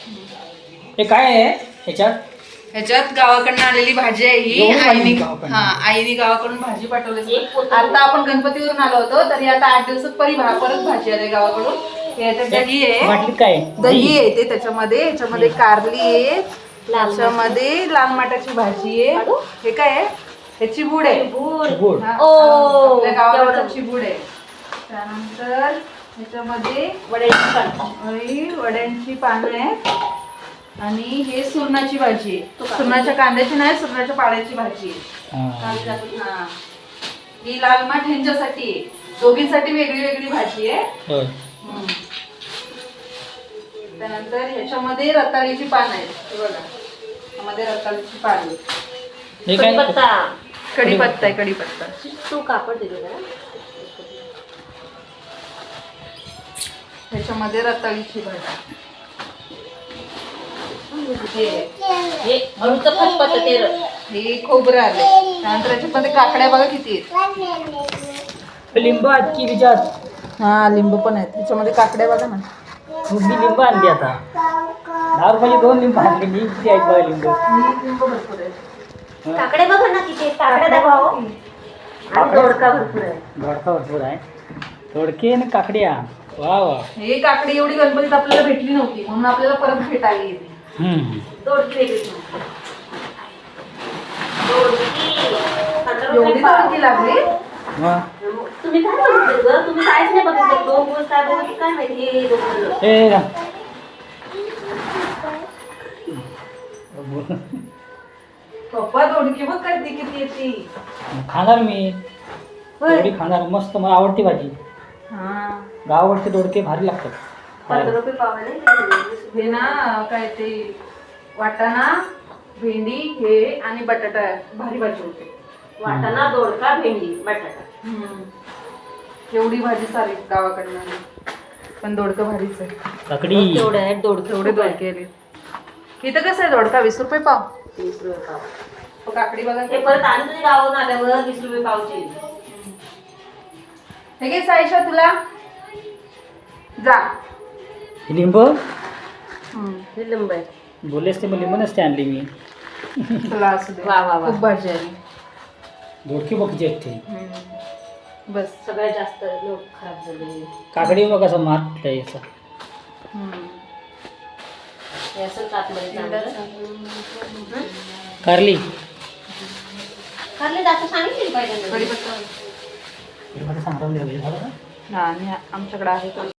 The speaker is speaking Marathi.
हे काय आहे ह्याच्यात? ह्याच्यात गावाकडनं आलेली भाजी आहे ही. आईने गावाकडून भाजी पाठवली. आता आपण गणपतीवरून आलो होतो तरी आता 8 दिवसात परत भाजी आली गावाकडून. ह्याच्यात दही आहे, काय दही आहे ते त्याच्यामध्ये. ह्याच्यामध्ये कारली आहे, त्याच्यामध्ये लाल माटाची भाजी आहे. हे काय आहे? हे चिबूड आहे. आपल्या गावाकडचं चिबूड आहे. त्यानंतर ह्याच्यामध्ये वड्यांची पानं आहेत आणि हे सुरणाची भाजी आहे. सुरणाच्या कांद्याची नाही, सुरणाच्या पाण्याची भाजी आहे. ही लाल माठ ह्यांच्यासाठी आहे. दोघींसाठी वेगळी वेगळी भाजी आहे. त्यानंतर ह्याच्यामध्ये रताळीची पानं आहेत. हे बघा, ह्यामध्ये रताळीची पानं आहेत. कढीपत्ता आहे, कढीपत्ता. तू कापड दिली का? ह्याच्यामध्ये रताळीची भाजी. हे खोबरं आले. त्यानंतर ह्याच्यामध्ये काकड्या बघा किती आहेत. लिंबू आजची विचार. हा, लिंबू पण आहेत. ह्याच्यामध्ये काकड्या बघा ना. मी लिंबू आणली आता 10 रुपयाची 2 लिंबू आणली. मी किती आहेत बघा लिंबू. लिंबू भरपूर आहेत. काकडे बघा ना किती काकड्या दाखवा. दोडका भरपूर आहे. दोडका भरपूर आहे. दोडके आणि काकड्या. वा वा. हे काकडी एवढी गणपतीत आपल्याला भेटली नव्हती म्हणून आपल्याला परत भेटायला येते. दोडकी एवढी दोडकी लागली. तुम्ही काय बघितलं ग? तुम्ही काहीच नाही बघितलं. 2 दिवस काय बघितलं काय माहिती. पप्पा दोडकी बघ काय किती येते. खाणार मी दोडकी खाणार. मस्त मला आवडती भाजी. गावाकडचे दोडके भारी लागतात. 15 रुपये पाव आहे. हे ना काय ते वाटाणा, भेंडी हे आणि बटाटा भारी भाजी होते. वाटाणा, दोडका, भेंडी, बटाटा. एवढी भाजी सारी गावाकडनं आली. पण दोडकं भारीच आहे. काकडी तेवढे आहेत दोडके. एवढे दोडके आले. इथं कसं आहे दोडका? 20 रुपये पाव. 20 रुपये पाव. काकडी बघा. हे परत आणि तुझ्या गावावरून आल्यावर 20 रुपये पावची. हे घे साईशा तुला. जा. लिंबू हे लिंब आहे. बोललेस ते मग लिंबू नसते आणली मी. तुला असू दे. वा वा वा. खूप भाजी आली. दोडकी बघचे आहेत ते. बस. सगळ्यात जास्त लोक खराब झाले. काकडी बघ कसं मात याचा. हे असं कातमध्ये चांगलं. कारली कारले जास्त सांगितली पाहिजे. कढीपत्ता. सांगता हा, आणि आमच्याकडे आहे.